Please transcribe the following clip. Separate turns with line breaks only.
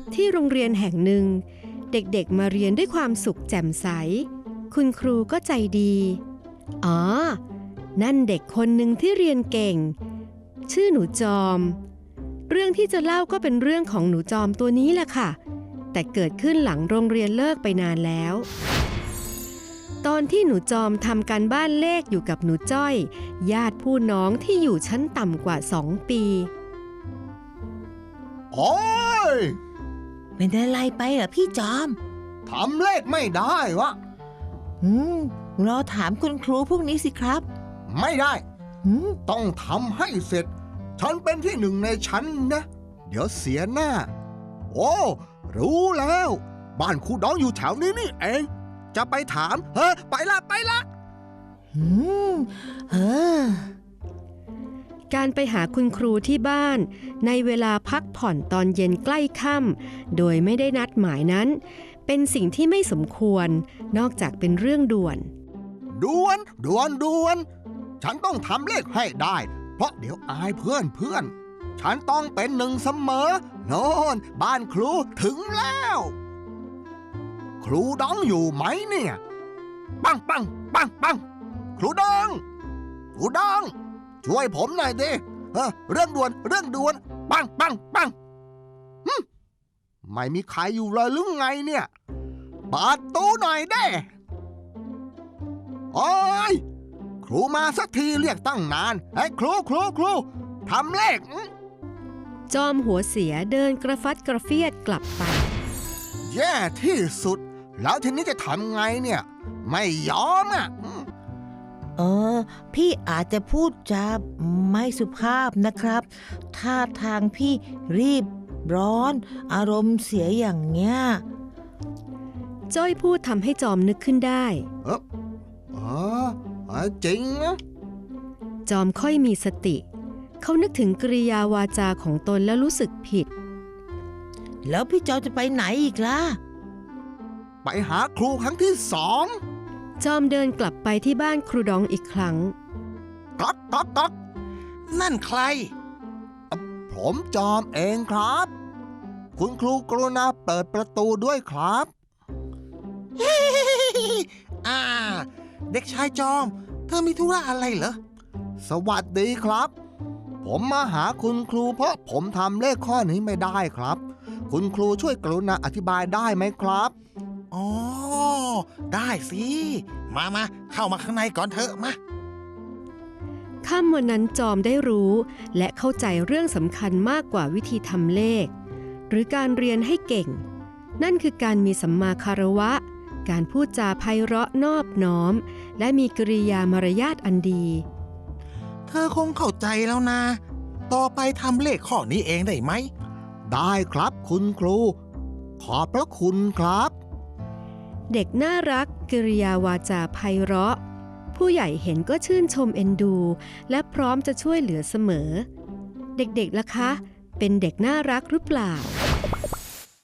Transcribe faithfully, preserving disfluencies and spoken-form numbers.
ที่โรงเรียนแห่งหนึ่งเด็กๆมาเรียนด้วยความสุขแจ่มใสคุณครูก็ใจดีอ๋อนั่นเด็กคนหนึ่งที่เรียนเก่งชื่อหนูจอมเรื่องที่จะเล่าก็เป็นเรื่องของหนูจอมตัวนี้แหละค่ะแต่เกิดขึ้นหลังโรงเรียนเลิกไปนานแล้วตอนที่หนูจอมทำการบ้านเลขอยู่กับหนูจ้อยญาติผู้น้องที่อยู่ชั้นต่ำกว่าสองปี
โอ้ย
เป็นอะไรไปเหรอพี่จอม
ทำเลขไม่ได้วะ
อืมรอถามคุณครูพวกนี้สิครับ
ไม่ได้
อืม
ต้องทำให้เสร็จฉันเป็นที่หนึ่งในชั้นนะเดี๋ยวเสียหน้าโอ้รู้แล้วบ้านครูดองอยู่แถวนี้นี่เองจะไปถามเฮ้ไปละไปละ
อืมเออ
การไปหาคุณครูที่บ้านในเวลาพักผ่อนตอนเย็นใกล้ค่ำโดยไม่ได้นัดหมายนั้นเป็นสิ่งที่ไม่สมควรนอกจากเป็นเรื่องด่วน
ด่วนด่วนด่วนฉันต้องทำเลขให้ได้เพราะเดี๋ยวอายเพื่อนเพื่อนฉันต้องเป็นหนึ่งเสมอโน่นบ้านครูถึงแล้วครูดองอยู่ไหมเนี่ยปังปังปังปังครูดองครูดองช่วยผมหน่อยดิเออเรื่องด่วนเรื่องด่วนปังปังปังไม่มีใครอยู่เลยหรือไงเนี่ยเปิดตู้หน่อยเด้โอ้ยครูมาสักทีเรียกตั้งนานไอ้ครูครูครูทำเลข
จอมหัวเสียเดินกระฟัดกระเฟียดกลับไป
แย่ที่สุดแล้วทีนี้จะทำไงเนี่ยไม่ยอมอ่ะ
เออพี่อาจจะพูดจาไม่สุภาพนะครับท่าทางพี่รีบร้อนอารมณ์เสียอย่างเงี้ย
จ้อยพูดทำให้จอมนึกขึ้นได้
เออเออจริงนะ
จอมค่อยมีสติเขานึกถึงกริยาวาจาของตนแล้วรู้สึกผิด
แล้วพี่จอมจะไปไหนอีกล่ะ
ไปหาครูครั้งที่สอง
จอมเดินกลับไปที่บ้านครูดองอีกครั้ง
ก๊อกก๊อกก๊อก
นั่นใคร
ผมจอมเองครับคุณครูกรุณาเปิดประตูด้วยครับ
อ่าเด็กชายจอมเธอมีธุระอะไรเหรอ
สวัสดีครับผมมาหาคุณครูเพราะผมทำเลขข้อนี้ไม่ได้ครับคุณครูช่วยกรุณาอธิบายได้ไหมครับ
อ๋อได้สิมามาเข้ามาข้างในก่อนเถอะมา
ค่ำวันนั้นจอมได้รู้และเข้าใจเรื่องสำคัญมากกว่าวิธีทำเลขหรือการเรียนให้เก่งนั่นคือการมีสัมมาคารวะการพูดจาไพเราะนอบน้อมและมีกริยามารยาทอันดี
เธอคงเข้าใจแล้วนะต่อไปทำเลขข้อนี้เองได้ไหม
ได้ครับคุณครูขอบพระคุณครับ
เด็กน่ารักกริยาวาจาไพเราะผู้ใหญ่เห็นก็ชื่นชมเอ็นดูและพร้อมจะช่วยเหลือเสมอเด็กๆล่ะคะเป็นเด็กน่ารักหรือเปล่า